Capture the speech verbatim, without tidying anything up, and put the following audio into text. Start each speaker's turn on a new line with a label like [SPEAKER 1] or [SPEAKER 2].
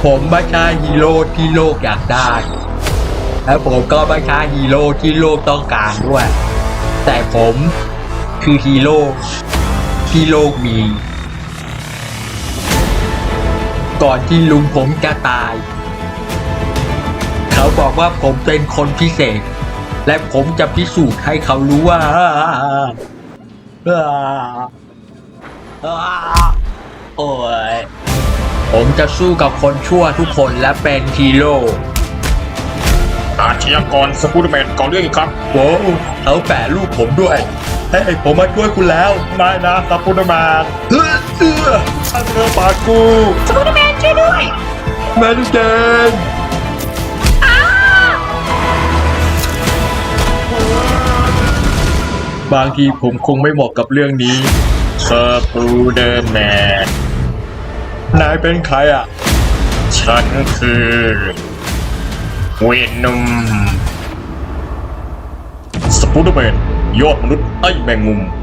[SPEAKER 1] ผมไม่ใช่ฮีโร่ที่โลกอยากได้และผมก็ไม่ใช่ฮีโร่ที่โลกต้องการด้วยแต่ผมคือฮีโร่ที่โลกมีก่อนที่ลุงผมจะตายเขาบอกว่าผมเป็นคนพิเศษและผมจะพิสูจน์ให้เขารู้ว่าโอ้ยผมจะสู้กับคนชั่วทุกคนและเป็นฮีโร่
[SPEAKER 2] อาชญากรสกูตแมนก่อเรื่องอีกครับ
[SPEAKER 1] โว้วเขาแปะรูปผมด้วยเฮ้ยผมมาช่วยคุณแล้ว
[SPEAKER 2] ไม่นะสกูตแมน
[SPEAKER 1] เฮ้ยเอื้อ
[SPEAKER 2] ถ้าเธอปาดกู
[SPEAKER 3] สกูตแมนช่วยด้วย
[SPEAKER 1] แมนเดนบางทีผมคงไม่เหมาะกับเรื่องนี้
[SPEAKER 2] สกูตแมน
[SPEAKER 1] นายเป็นใครอ่ะ
[SPEAKER 2] ฉันคือเวนนุมสกูตแมนยอดมนุษย์ไอ้แมงมุม